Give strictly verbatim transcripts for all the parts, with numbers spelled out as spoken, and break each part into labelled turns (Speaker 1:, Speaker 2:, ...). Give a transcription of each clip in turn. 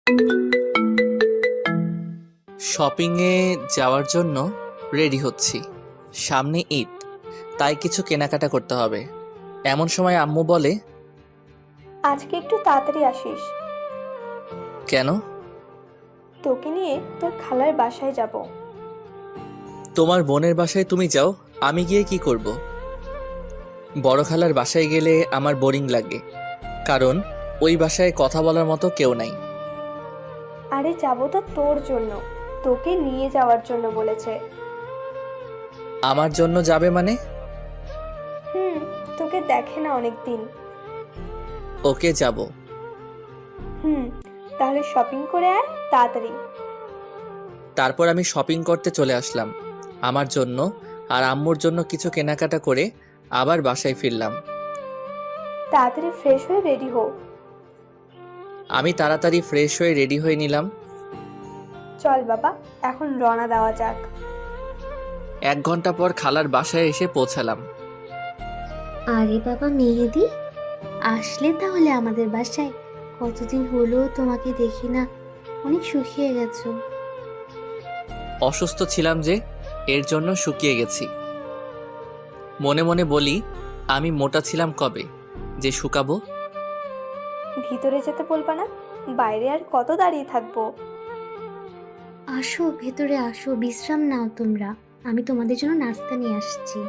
Speaker 1: শপিংয়ে যাওয়ার জন্য রেডি হচ্ছি। সামনে ঈদ, তাই কিছু কেনাকাটা করতে হবে। এমন সময় আম্মু বলে,
Speaker 2: আজকে একটু তাড়াতাড়ি আসিস।
Speaker 1: কেন?
Speaker 2: তোকে নিয়ে তোর খালার বাসায় যাব।
Speaker 1: তোমার বোনের বাসায় তুমি যাও, আমি গিয়ে কি করব? বড় খালার বাসায় গেলে আমার বোরিং লাগে, কারণ ওই বাসায় কথা বলার মতো কেউ নাই।
Speaker 2: আরে যাব তো তোর জন্য, তোকে নিয়ে যাওয়ার জন্য বলেছে।
Speaker 1: আমার জন্য যাবে মানে?
Speaker 2: হুম, তোকে দেখে না অনেক দিন।
Speaker 1: ওকে, যাব।
Speaker 2: হুম, তাহলে শপিং করে আয় তাড়াতাড়ি।
Speaker 1: তারপর আমি শপিং করতে চলে আসলাম। আমার জন্য আর আম্মুর জন্য কিছু কেনাকাটা করে আবার বাসায় ফিরলাম।
Speaker 2: তাড়াতাড়ি ফ্রেশ হয়ে রেডি হো।
Speaker 1: আমি তাড়াতাড়ি ফ্রেশ হয়ে রেডি হয়ে নিলাম।
Speaker 2: চল বাবা, এখন রওনা দেওয়া যাক।
Speaker 1: এক ঘন্টা পর খালার বাসায় এসে পৌঁছালাম।
Speaker 3: আরে বাবা মেহেদি, আসলে তাহলে আমাদের বাসায়? কতদিন হলো তোমাকে দেখি না, অনেক শুকিয়ে গেছো।
Speaker 1: অসুস্থ ছিলাম যে, এর জন্য শুকিয়ে গেছি। মনে মনে বলি, আমি মোটা ছিলাম কবে যে শুকাবো।
Speaker 2: ভিতরে যেতে বলবা না? বাইরে আর কত দাঁড়িয়ে থাকবো?
Speaker 3: আসো ভেতরে আসো, বিশ্রাম নাও তোমরা, আমি তোমাদের জন্য নাস্তা নিয়ে আসছি।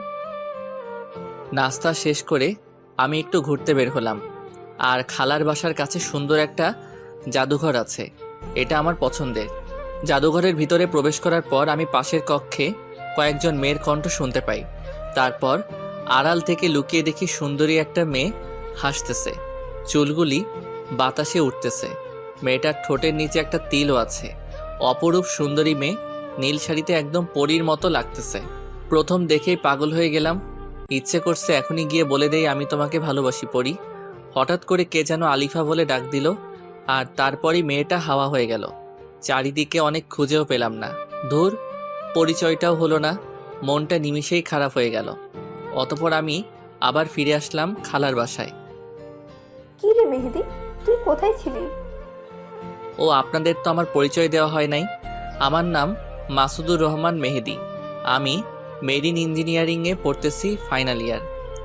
Speaker 1: নাস্তা শেষ করে আমি একটু ঘুরতে বের হলাম। আর খালার বাসার কাছে সুন্দর একটা জাদুঘর আছে, এটা আমার পছন্দের। জাদুঘরের ভিতরে প্রবেশ করার পর আমি পাশের কক্ষে কয়েকজন মেয়ের কণ্ঠ শুনতে পাই। তারপর আড়াল থেকে লুকিয়ে দেখি সুন্দরী একটা মেয়ে হাসতেছে, চুলগুলি বাতাসে উঠতেছে। মেয়েটার ঠোঁটের নিচে একটা তিলও আছে। অপরূপ সুন্দরী মেয়ে, নীল শাড়িতে একদম পরীর মতো লাগতেছে। প্রথম দেখেই পাগল হয়ে গেলাম। ইচ্ছে করছে এখনই গিয়ে বলে দেই আমি তোমাকে ভালোবাসি পড়ি। হঠাৎ করে কে যেন আলিফা বলে ডাক দিল, আর তারপরই মেয়েটা হাওয়া হয়ে গেল। চারিদিকে অনেক খুঁজেও পেলাম না। ধুর, পরিচয়টাও হলো না। মনটা নিমিষেই খারাপ হয়ে গেল। অতপর আমি আবার ফিরে আসলাম খালার বাসায়।
Speaker 2: কি রে মেহেদি, তুই কোথায় ছিলি?
Speaker 1: ও, আপনাদের তো আমার পরিচয় দেওয়া হয় নাই। আমার নাম মাসুদুর রহমান মেহেদি। আমি মেরিন ইঞ্জিনিয়ারিংয়ে পড়তেছি, ফাইনাল ইয়ার।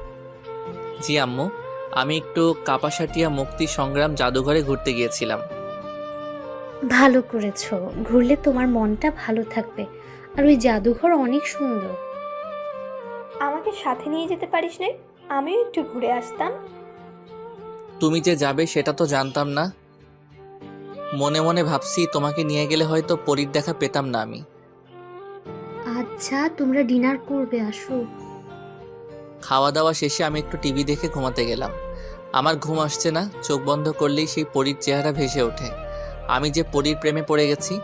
Speaker 1: জি আম্মু, আমি একটু কাপাসাটিয়া মুক্তি সংগ্রাম জাদুঘরে ঘুরতে গিয়েছিলাম।
Speaker 3: ভালো করেছো, ঘুরলে তোমার মনটা ভালো থাকবে। আর ওই জাদুঘর অনেক সুন্দর।
Speaker 2: আমাকে সাথে নিয়ে যেতে পারিস না? আমিও একটু ঘুরে আসতাম।
Speaker 1: তুমি যে যাবে সেটা তো জানতাম না। মনে মনে ভাবছি তোমাকে নিয়ে গেলে হয়তো পরীর দেখা পেতাম না আমি।
Speaker 3: আচ্ছা তোমরা ডিনার করবে, আসো।
Speaker 1: খাওয়া দাওয়া শেষে আমি একটু টিভি দেখে ঘুমাতে গেলাম। আমার ঘুম আসছে না, চোখ বন্ধ করলেই সেই পরীর চেহারা ভেসে ওঠে। আমি যে পরীর প্রেমে পড়ে গেছি।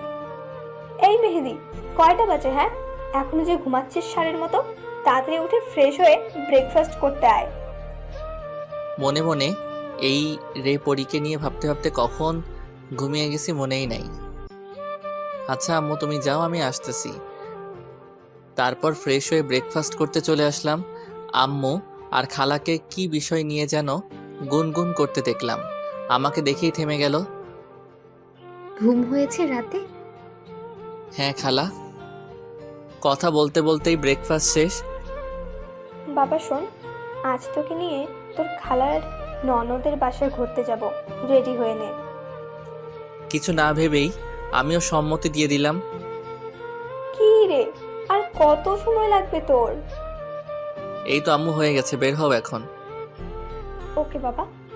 Speaker 2: এই মেহেদি, কয়টা বাজে? হ্যাঁ, এখনো যে ঘুমাচ্ছিস ষাঁড়ের মতো? তাড়াতাড়ি উঠে ফ্রেশ হয়ে ব্রেকফাস্ট করতে আয়।
Speaker 1: মনে মনে এই রে পরীকে নিয়ে ভাবতে ভাবতে কখন ঘুমিয়ে গেছি মনেই নাই। আচ্ছা আম্মু, তুমি যাও, আমি আসতেছি। তারপর ফ্রেশ হয়ে ব্রেকফাস্ট করতে চলে আসলাম। আম্মু আর খালাকে কি বিষয় নিয়ে যেন গুনগুন করতে দেখলাম। আমাকে দেখেই থেমে গেল।
Speaker 3: ঘুম হয়েছে রাতে?
Speaker 1: হ্যাঁ খালা। কথা বলতে বলতেই ব্রেকফাস্ট শেষ।
Speaker 2: বাবা শোন, আজ তোকে নিয়ে তোর খালার ননদের বাসায় ঘুরতে যাব, রেডি হয়ে নে।
Speaker 1: কিছু না ভেবেই আমিও সম্মতি দিয়ে দিলাম।
Speaker 2: কি রে, আর কত সময় লাগবে তোর?
Speaker 1: এই তো আম্মু, হয়ে গেছে, বের হও এখন।
Speaker 2: ওকে বাবা।